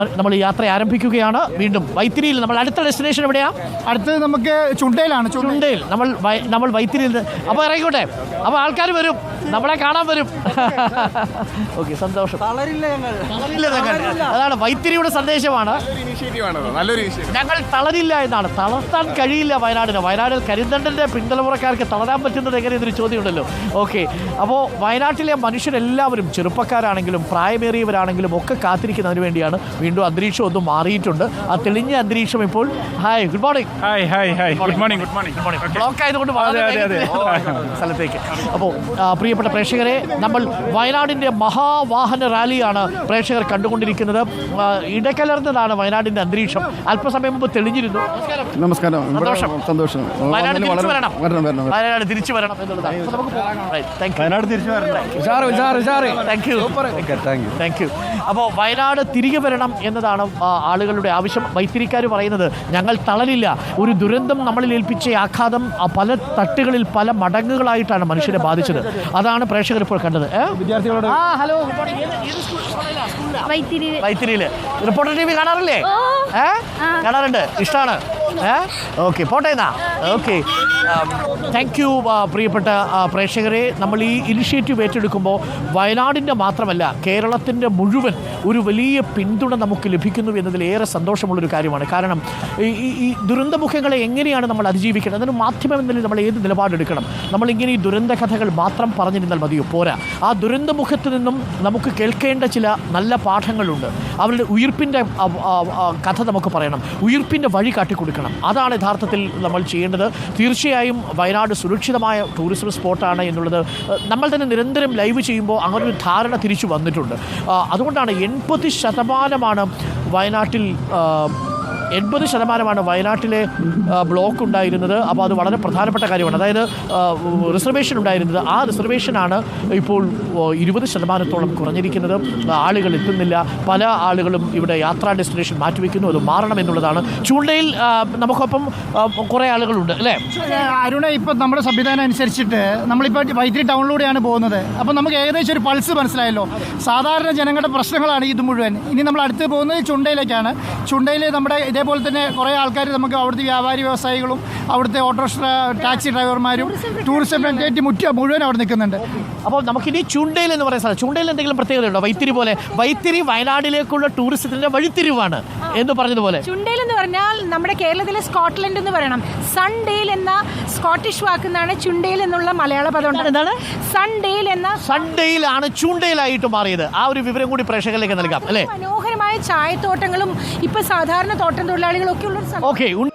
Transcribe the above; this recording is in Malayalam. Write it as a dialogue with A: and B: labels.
A: നമ്മൾ യാത്ര ആരംഭിക്കുകയാണ്. വീണ്ടും വൈത്തിരിയിൽ നമ്മൾ അടുത്ത ഡെസ്റ്റിനേഷൻ എവിടെയാ?
B: അടുത്തത് നമുക്ക് ചുണ്ടയിലാണ്.
A: ചുണ്ടയിൽ നമ്മൾ വൈത്തിരിയിൽ. അപ്പോൾ ഇറങ്ങിക്കോട്ടെ, അപ്പോൾ ആൾക്കാർ വരും, നമ്മളെ കാണാൻ വരും. ഓക്കെ, സന്തോഷം. അതാണ് വൈത്തിരിയുടെ സന്ദേശമാണ്. ഞങ്ങൾ തളരില്ല എന്നാണ്. തളർത്താൻ കഴിയില്ല വയനാടിന്. വയനാടിൽ കരിന്തണ്ടൻ്റെ പിന്തലമുറക്കാർക്ക് തളരാൻ പറ്റുന്നത് എങ്ങനെ എന്നൊരു ചോദ്യമുണ്ടല്ലോ. ഓക്കെ, അപ്പോൾ വയനാട്ടിലെ മനുഷ്യരെല്ലാവരും ചെറുപ്പക്കാരാണെങ്കിലും പ്രായമേറിയവരാണെങ്കിലും ഒക്കെ കാത്തിരിക്കുന്നതിന് വേണ്ടിയാണ്. വീണ്ടും അന്തരീക്ഷം ഒന്നും മാറിയിട്ടുണ്ട്. ആ തെളിഞ്ഞ അന്തരീക്ഷം ഇപ്പോൾ. Hi, good morning.
C: Good morning.
A: Block ആയതുകൊണ്ട് സ്ഥലത്തേക്ക്. അപ്പോൾ പ്രിയപ്പെട്ട പ്രേക്ഷകരെ, നമ്മൾ വയനാടിൻ്റെ മഹാവാഹന റാലിയാണ് പ്രേക്ഷകർ കണ്ടുകൊണ്ടിരിക്കുന്നത്. ഇടകലർന്നതാണ് വയനാടിൻ്റെ അന്തരീക്ഷം. അല്പസമയം മുമ്പ് തെളിഞ്ഞിരുന്നു.
B: നമസ്കാരം.
A: സന്തോഷം. വയനാട് തിരിച്ചു വരണം എന്നുള്ളതാണ്.
B: വയനാട് തിരിച്ചു വരണം.
A: Thank you. അപ്പോൾ വയനാട് തിരികെ വരണം എന്നതാണ് ആളുകളുടെ ആവശ്യം. വൈത്തിരിക്കാർ പറയുന്നത് ഞങ്ങൾ തളരില്ല. ഒരു ദുരന്തം നമ്മളിൽ ഏൽപ്പിച്ച ആഘാതം പല തട്ടുകളിൽ പല മടങ്ങുകളായിട്ടാണ് മനുഷ്യരെ ബാധിച്ചത്. അതാണ് പ്രേക്ഷകർ ഇപ്പോൾ കണ്ടത്.
B: വിദ്യാർത്ഥികളോട്
A: ഹലോ, വൈത്തിരിയിൽ റിപ്പോർട്ടർ TV കാണാറില്ലേ? കാണാറുണ്ട്, ഇഷ്ടമാണ്. ഓക്കെ, പോട്ടെ എന്നാ. ഓക്കെ, താങ്ക് യു പ്രിയപ്പെട്ട പ്രേക്ഷകരെ. നമ്മൾ ഈ ഇനിഷ്യേറ്റീവ് ഏറ്റെടുക്കുമ്പോൾ വയനാടിൻ്റെ മാത്രമല്ല കേരളത്തിൻ്റെ മുഴുവൻ ഒരു വലിയ പിന്തുണ നമുക്ക് ലഭിക്കുന്നു എന്നതിൽ ഏറെ സന്തോഷമുള്ളൊരു കാര്യമാണ്. കാരണം ഈ ദുരന്തമുഖങ്ങളെ എങ്ങനെയാണ് നമ്മൾ അതിജീവിക്കുന്നത്, അതിന് മാധ്യമം എന്നതിൽ നമ്മൾ ഏത് നിലപാടെടുക്കണം? നമ്മളിങ്ങനെ ഈ ദുരന്ത കഥകൾ മാത്രം പറഞ്ഞിരുന്നാൽ മതിയോ? പോരാ. ആ ദുരന്തമുഖത്ത് നിന്നും നമുക്ക് കേൾക്കേണ്ട ചില നല്ല പാഠങ്ങളുണ്ട്. അവരുടെ ഉയിർപ്പിൻ്റെ കഥ നമുക്ക് പറയണം, ഉയിർപ്പിൻ്റെ വഴി കാട്ടിക്കൊടുക്കണം. അതാണ് യഥാർത്ഥത്തിൽ നമ്മൾ ചെയ്യേണ്ടത്. തീർച്ചയായും വയനാട് സുരക്ഷിതമായ ടൂറിസം സ്പോട്ടാണ് എന്നുള്ളത് നമ്മൾ തന്നെ നിരന്തരം ലൈവ് ചെയ്യുമ്പോൾ അങ്ങനൊരു ധാരണ തിരിച്ചു വന്നിട്ടുണ്ട്. അതുകൊണ്ടാണ് 80% വയനാട്ടിൽ 80% വയനാട്ടിലെ ബ്ലോക്ക് ഉണ്ടായിരുന്നത്. അപ്പോൾ അത് വളരെ പ്രധാനപ്പെട്ട കാര്യമാണ്. അതായത് റിസർവേഷൻ ഉണ്ടായിരുന്നത്, ആ റിസർവേഷനാണ് ഇപ്പോൾ 20% കുറഞ്ഞിരിക്കുന്നത്. ആളുകൾ എത്തുന്നില്ല. പല ആളുകളും ഇവിടെ യാത്രാ ഡെസ്റ്റിനേഷൻ മാറ്റിവെക്കുന്നു. അത് മാറണം എന്നുള്ളതാണ്. ചൂണ്ടയിൽ നമുക്കൊപ്പം കുറേ ആളുകളുണ്ട് അല്ലേ
B: അരുണ? ഇപ്പം നമ്മുടെ സംവിധാനം അനുസരിച്ചിട്ട് നമ്മളിപ്പോൾ വൈത്തിരി ടൗണിലൂടെയാണ് പോകുന്നത്. അപ്പോൾ നമുക്ക് ഏകദേശം ഒരു പൾസ് മനസ്സിലായല്ലോ. സാധാരണ ജനങ്ങളുടെ പ്രശ്നങ്ങളാണ് ഇത് മുഴുവൻ. ഇനി നമ്മൾ അടുത്ത് പോകുന്നത് ചുണ്ടയിലേക്കാണ്. ചുണ്ടയിൽ നമ്മുടെ ഇതേപോലെ തന്നെ കുറേ ആൾക്കാർ, നമുക്ക് അവിടുത്തെ വ്യാപാരി വ്യവസായികളും അവിടുത്തെ ഓട്ടോറിക്ഷ ടാക്സി ഡ്രൈവർമാരും ടൂറിസം മുഴുവൻ അവിടെ നിൽക്കുന്നുണ്ട്.
A: അപ്പോൾ നമുക്കിനി ചുണ്ടയിൽ എന്ന് പറയുന്ന സ്ഥലം, ചുണ്ടയിൽ എന്തെങ്കിലും പ്രത്യേകതയുണ്ടോ? വൈത്തിരി പോലെ, വൈത്തിരി വയനാട്ടിലേക്കുള്ള ടൂറിസത്തിൻ്റെ വഴിത്തിരിവാണ് എന്ന് പറഞ്ഞതുപോലെ.
D: ചുണ്ടയിൽ എന്ന് പറഞ്ഞാൽ നമ്മുടെ കേരളത്തിലെ സ്കോട്ട്ലൻഡ് എന്ന് പറയണം. സൺഡേൽ എന്ന സ്കോട്ടിഷ് വാക്കുന്നാണ് ചുണ്ടയിൽ എന്നുള്ള മലയാള പദം.
A: എന്താണ്
D: സൺഡേൽ എന്ന?
A: സൺഡേയിലാണ് ചുണ്ടയിലായിട്ട് മാറിയത്. ആ ഒരു വിവരം കൂടി പ്രേക്ഷകരിലേക്ക് നൽകാം അല്ലേ?
D: മനോഹരമായ ചായത്തോട്ടങ്ങളും ഇപ്പൊ സാധാരണ തോട്ടം തൊഴിലാളികളൊക്കെ ഉള്ള.
A: ഓക്കെ, ഉണ്ട്.